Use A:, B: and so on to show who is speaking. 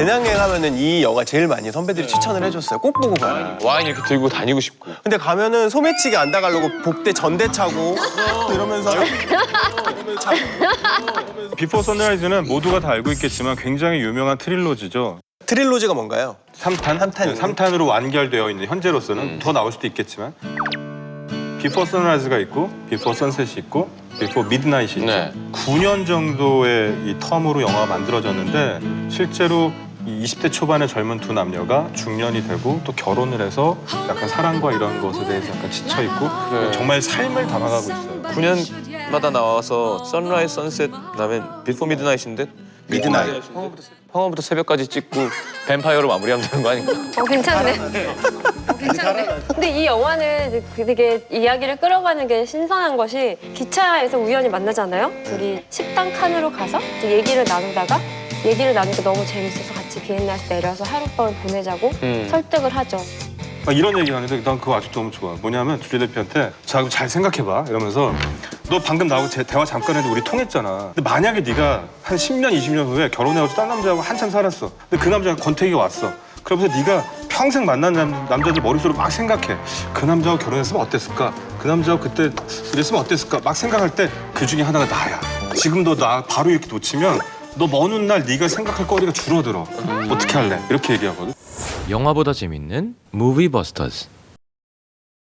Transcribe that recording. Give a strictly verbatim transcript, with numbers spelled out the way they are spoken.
A: 배낭여행 하면은 이 영화 제일 많이 선배들이 추천을 해줬어요. 꼭 보고 가요.
B: 와인 이렇게 들고 다니고 싶고.
A: 근데 가면은 소매치기 안 당하려고 복대 전대 차고 이러면서
C: 비포 선라이즈는 모두가 다 알고 있겠지만 굉장히 유명한 트릴로지죠.
A: 트릴로지가 뭔가요?
C: 삼 탄?
A: 삼 탄이요?
C: 네, 삼 탄으로 완결되어 있는 현재로서는
B: 음.
C: 더 나올 수도 있겠지만 비포 선라이즈가 있고 비포 선셋이 있고 비포 미드나잇이 있죠.
B: 네.
C: 구 년 정도의 이 텀으로 영화가 만들어졌는데 실제로 이 이십 대 초반의 젊은 두 남녀가 중년이 되고 또 결혼을 해서 약간 사랑과 이런 것에 대해서 약간 지쳐있고
B: 그래.
C: 정말 삶을 담아가고 있어요.
B: 구 년마다 나와서 선라이즈, 선셋, 그다음에 비포 미드나잇인데
A: 미드나잇.
B: 황혼부터 새벽까지 찍고 뱀파이어로 마무리하면 되는 거 아닌가?
D: 어, 괜찮네. 어, 괜찮네. 근데 이 영화는 되게 이야기를 끌어가는 게 신선한 것이 기차에서 우연히 만나잖아요. 둘이 식당 칸으로 가서 이제 얘기를 나누다가 얘기를 나누니까 너무 재밌어서 같이 비엔나에서 내려서 하룻밤을 보내자고
B: 음.
D: 설득을 하죠.
C: 막 이런 얘기 하는데 난 그거 아직도 너무 좋아. 뭐냐면 줄리 데피한테 자, 그럼 잘 생각해봐 이러면서 너 방금 나하고 제 대화 잠깐 했는데 우리 통했잖아. 근데 만약에 네가 한 십 년, 이십 년 후에 결혼해가지고 딴 남자하고 한참 살았어. 근데 그 남자가 권태기가 왔어. 그러면서 네가 평생 만난 남, 남자들 머릿속으로 막 생각해. 그 남자하고 결혼했으면 어땠을까? 그 남자하고 그때 이랬으면 어땠을까? 막 생각할 때 그 중에 하나가 나야. 지금 너 나 바로 이렇게 놓치면 너 먼 훗날 네가 생각할 거리가 줄어들어. 어떻게 할래? 이렇게 얘기하거든.
E: 영화보다 재밌는 무비버스터즈.